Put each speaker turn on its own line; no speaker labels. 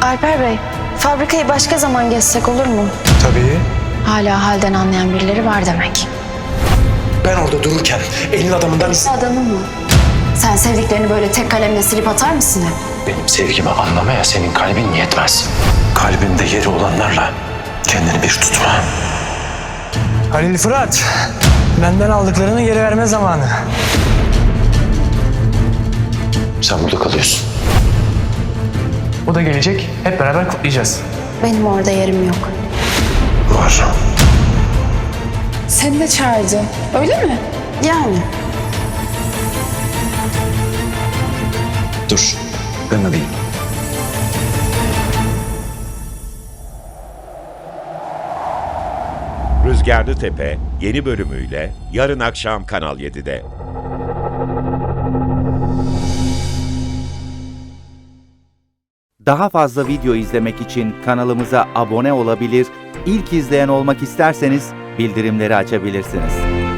Alper Bey, fabrikayı başka zaman gezsek olur mu?
Tabii.
Hala halden anlayan birileri var demek.
Ben orada dururken elin adamından...
Adamı mı? Sen sevdiklerini böyle tek kalemle silip atar mısın hep?
Benim sevgimi anlamaya senin kalbin yetmez. Kalbimde yeri olanlarla kendini bir tutma.
Halil Fırat, benden aldıklarını geri verme zamanı.
Sen burada kalıyorsun.
O da gelecek, hep beraber kutlayacağız.
Benim orada yerim yok.
Var.
Seni de çağırdı, öyle mi? Yani.
Dur, ben alayım.
Rüzgarlı Tepe yeni bölümüyle yarın akşam Kanal 7'de.
Daha fazla video izlemek için kanalımıza abone olabilir, ilk izleyen olmak isterseniz bildirimleri açabilirsiniz.